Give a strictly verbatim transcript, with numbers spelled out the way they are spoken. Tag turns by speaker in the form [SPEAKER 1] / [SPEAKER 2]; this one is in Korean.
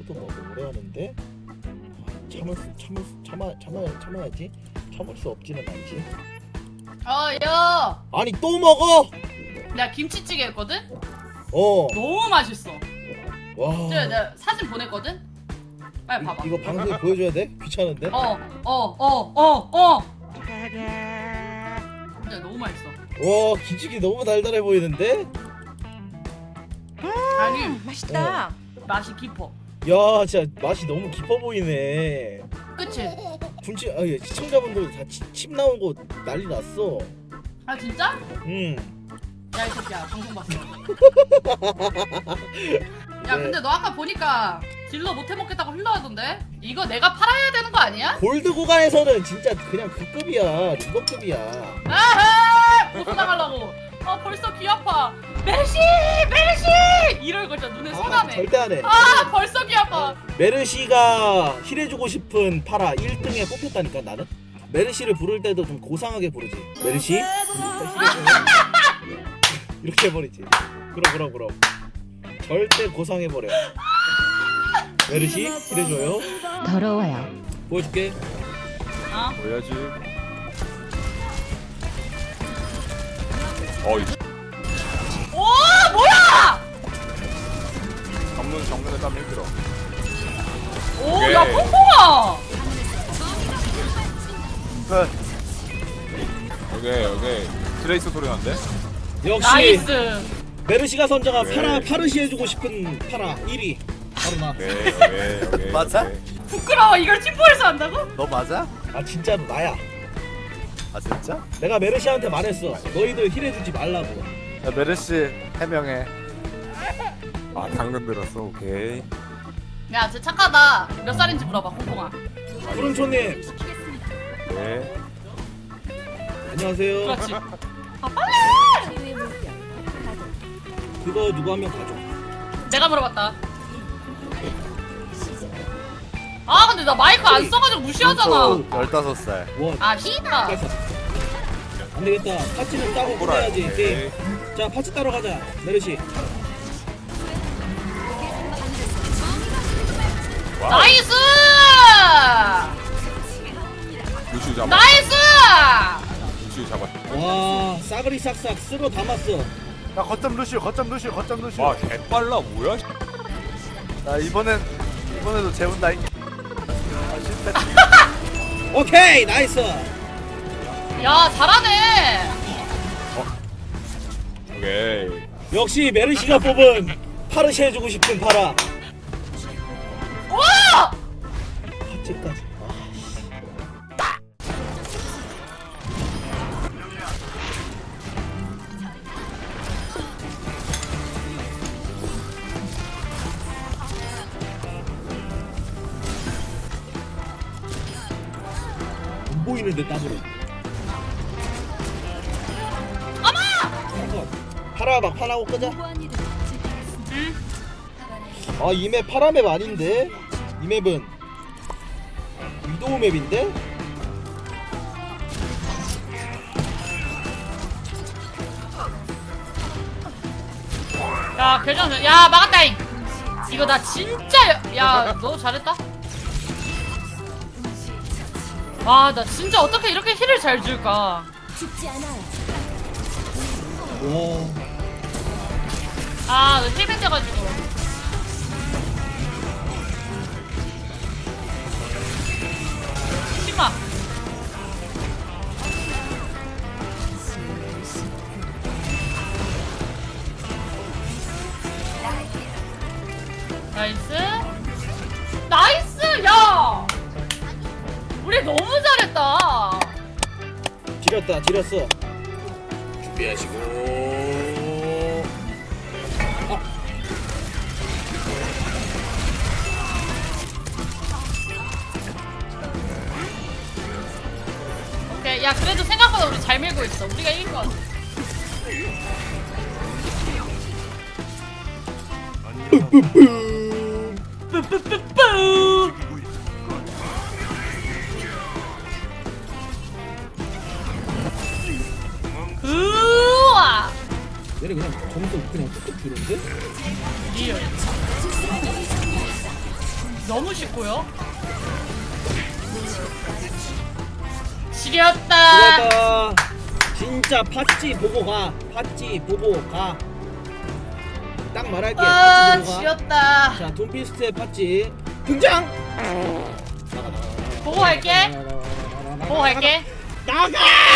[SPEAKER 1] 또 먹어 오래 하는데 참을 수 참을 수 참아 참아 참아야지. 참을 수 없지는 않지.
[SPEAKER 2] 어야
[SPEAKER 1] 아니 또 먹어?
[SPEAKER 2] 내가 김치찌개 했거든?
[SPEAKER 1] 어.
[SPEAKER 2] 너무 맛있어.
[SPEAKER 1] 와.
[SPEAKER 2] 제가 내가 사진 보냈거든? 빨리 봐봐.
[SPEAKER 1] 이, 이거 방송에 보여줘야 돼? 귀찮은데?
[SPEAKER 2] 어 어 어 어 어 진짜 너무 맛있어.
[SPEAKER 1] 와 김치찌개 너무 달달해 보이는데?
[SPEAKER 2] 아니
[SPEAKER 3] 맛있다.
[SPEAKER 2] 맛이 깊어.
[SPEAKER 1] 야 진짜 맛이 너무 깊어 보이네.
[SPEAKER 2] 그치?
[SPEAKER 1] 군치 아 예, 시청자분들 다 침 나온 거 난리 났어.
[SPEAKER 2] 아 진짜?
[SPEAKER 1] 음.
[SPEAKER 2] 야 이 새끼야 방송 봤어. 야
[SPEAKER 1] 네.
[SPEAKER 2] 근데 너 아까 보니까 딜러 못해 먹겠다고 흘러하던데? 이거 내가 팔아야 되는 거 아니야?
[SPEAKER 1] 골드 구간에서는 진짜 그냥 그 급이야. 리버급이야.
[SPEAKER 2] 아하! 벗어나가려고. 아 벌써 귀 아파. 메르시! 메르시! 이럴 거 진짜 눈에
[SPEAKER 1] 아,
[SPEAKER 2] 선하네.
[SPEAKER 1] 절대 안 해.
[SPEAKER 2] 아 벌써 귀 아파.
[SPEAKER 1] 메르시가 힐해주고 싶은 파라 일 등에 뽑혔다니까 나는. 메르시를 부를 때도 좀 고상하게 부르지. 메르시? 이렇게 해버리지. 그럼 그럼 그럼. 절대 고상해버려. 메르시 힐해줘요.
[SPEAKER 3] 더러워요.
[SPEAKER 1] 보여줄게.
[SPEAKER 2] 아
[SPEAKER 4] 보여야지. 어이.
[SPEAKER 2] 오 뭐야!
[SPEAKER 4] 정문 정문에 따면 힘들어.
[SPEAKER 2] 오 야 뽕뽕아!
[SPEAKER 4] 여기 여기 트레이스 소리 난데?
[SPEAKER 1] 역시
[SPEAKER 2] 나이스.
[SPEAKER 1] 메르시가 선정한
[SPEAKER 4] 네.
[SPEAKER 1] 파라 파르시 해주고 싶은 파라 일 위 바로 나.
[SPEAKER 4] 오케이 오케이 오케이.
[SPEAKER 5] 맞아?
[SPEAKER 4] 오케이.
[SPEAKER 2] 부끄러워. 이걸 팀포에서 한다고?
[SPEAKER 5] 너 맞아?
[SPEAKER 1] 아 진짜로 나야.
[SPEAKER 5] 아 진짜?
[SPEAKER 1] 내가 메르시한테 말했어. 너희들 힐해주지 말라고.
[SPEAKER 5] 야 메르시 해명해.
[SPEAKER 4] 아 당근 들었어. 오케이.
[SPEAKER 2] 야 쟤 착하다. 몇 살인지 물어봐 콩콩아.
[SPEAKER 1] 푸른초님
[SPEAKER 4] 네.
[SPEAKER 1] 안녕하세요.
[SPEAKER 2] 그렇지. 아 빨리!
[SPEAKER 1] 그거 누구 한 명 가져.
[SPEAKER 2] 내가 물어봤다. 아 근데 나 마이크 안 써가지고 무시하잖아.
[SPEAKER 5] 열다섯 살.
[SPEAKER 1] 원.
[SPEAKER 2] 아 씨발.
[SPEAKER 1] 가자. 안 되겠다. 파츠는 따고 끝내야지 게임. 자 파츠 따러 가자. 메르시.
[SPEAKER 4] 와우.
[SPEAKER 2] 나이스!
[SPEAKER 4] 루시 잡아.
[SPEAKER 2] 나이스!
[SPEAKER 4] 루시 잡아.
[SPEAKER 1] 와 싸그리 싹싹 쓸어 담았어.
[SPEAKER 5] 야 거점 루시오 거점 루시오 거점 루시오.
[SPEAKER 4] 와 개빨라 뭐야?
[SPEAKER 5] 나 이번엔 이번에도 재운다. 이- 아 실패.
[SPEAKER 1] 오케이 나이스.
[SPEAKER 2] 야 잘하네.
[SPEAKER 4] 오케이.
[SPEAKER 1] 역시 메르시가 뽑은 파르시 해주고 싶은 파라.
[SPEAKER 2] 와!
[SPEAKER 1] 파츠까지. 안 보이는데 땀으로. 어머! 파라 막 파라고 끄자. 아 이 맵 파라 맵 아닌데? 이 맵은 위도우 맵인데?
[SPEAKER 2] 야 괜찮아. 야 막았다잉. 이거 나 진짜 야 너 잘했다. 와 나 진짜 어떻게 이렇게 힐을 잘 줄까?
[SPEAKER 1] 와
[SPEAKER 2] 아너 힐밴 돼가지고. 심마. 나이스. 나이스 야. 우리 너무 잘했다.
[SPEAKER 1] 지렸다 지렸어. 준비하시고.
[SPEAKER 2] 오케이 야 그래도 생각보다 우리 잘 밀고 있어. 우리가 이긴 거 같아. 뿌뿌뿌뿌. 우와.
[SPEAKER 1] 얘네 그냥 점수 그냥 뚝뚝 주는데?
[SPEAKER 2] 리얼. 너무 쉽고요. 지렸다.
[SPEAKER 1] 그랬다. 진짜 팥찌 보고 가. 팥찌 보고 가. 딱 말할게.
[SPEAKER 2] 아,
[SPEAKER 1] 팥찌 보고 가.
[SPEAKER 2] 지렸다.
[SPEAKER 1] 자, 돈피스트의 팥찌 등장.
[SPEAKER 2] 보고 갈게. 보고 갈게.
[SPEAKER 1] 나가!